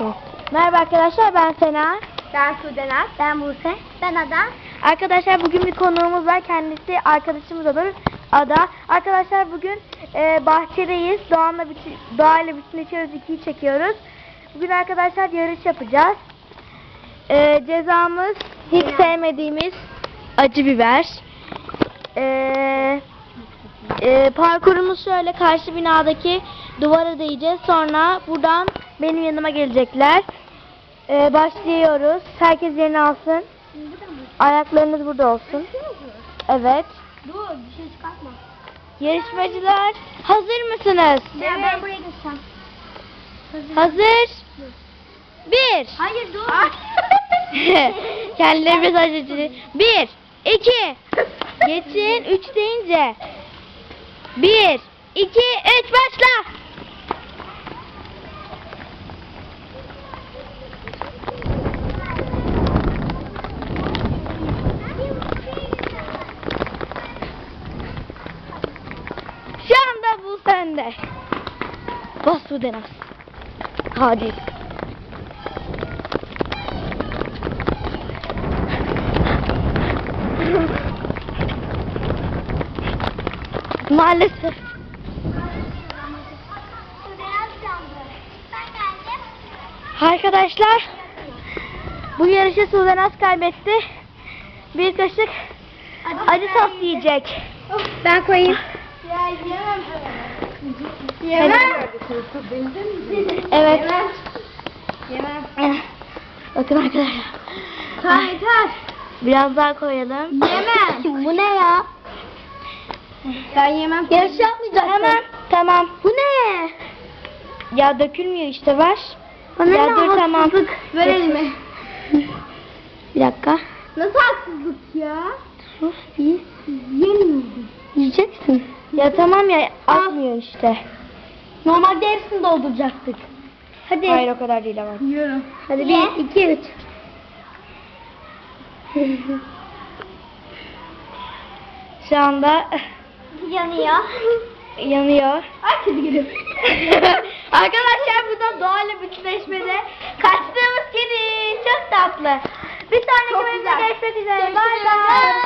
Merhaba arkadaşlar, ben Sena. Ben Sudenaz. Ben Buse. Ben Ada. Arkadaşlar bugün bir konuğumuz var. Kendisi arkadaşımız olur. Ada. Arkadaşlar bugün bahçedeyiz. Doğayla bütünleşiyoruz. 2'yi çekiyoruz. Bugün arkadaşlar yarış yapacağız. Cezamız hiç sevmediğimiz acı biber. Parkurumuz şöyle: karşı binadaki duvara değeceğiz. Sonra buradan benim yanıma gelecekler. Başlıyoruz. Herkes yerini alsın. Ayaklarınız burada olsun. Evet. Dur, bir şey çıkartma. Yarışmacılar, hazır mısınız? Ben buraya geçeceğim. Hazır. 1. Hayır dur. Kendileri mesaj açıyor. 1, 2. Geçin. 3 deyince. 1, 2, 3 başla. Şu anda bu sende. Bas bu Denaz. Hadi. Maalesef. Arkadaşlar, bu yarışı Sudenaz kaybetti. Bir kaşık acı sos yiyecek. Ben koyayım. Yemem. Evet. Yemem. Bakın arkadaşlar. Yeter. Biraz daha koyalım. Yemem. Bu ne ya? Ben yemem. Yarış yapmayacaksın. Tamam. Bu ne? Ya dökülmüyor işte, ver. Bana Ya ne dur, tamam. haksızlık. Ver elime. Bir dakika. Nasıl haksızlık ya? Sus, iyi. Yemiyorum. Yiyeceksin. Ya tamam ya, atmıyor işte. Normalde hepsini dolduracaktık. Hadi. Hayır, o kadar değil ama. Yiyorum. Hadi Ye. 1, 2, 3. Şu anda Yanıyor. yanıyor. Ay kedi geliyor. Arkadaşlar, bu da doğayla bütünleşmede kaçtığımız kedi. Çok tatlı. Bir sonraki Çok bölümde güzel. görüşmek üzere. Bay bay.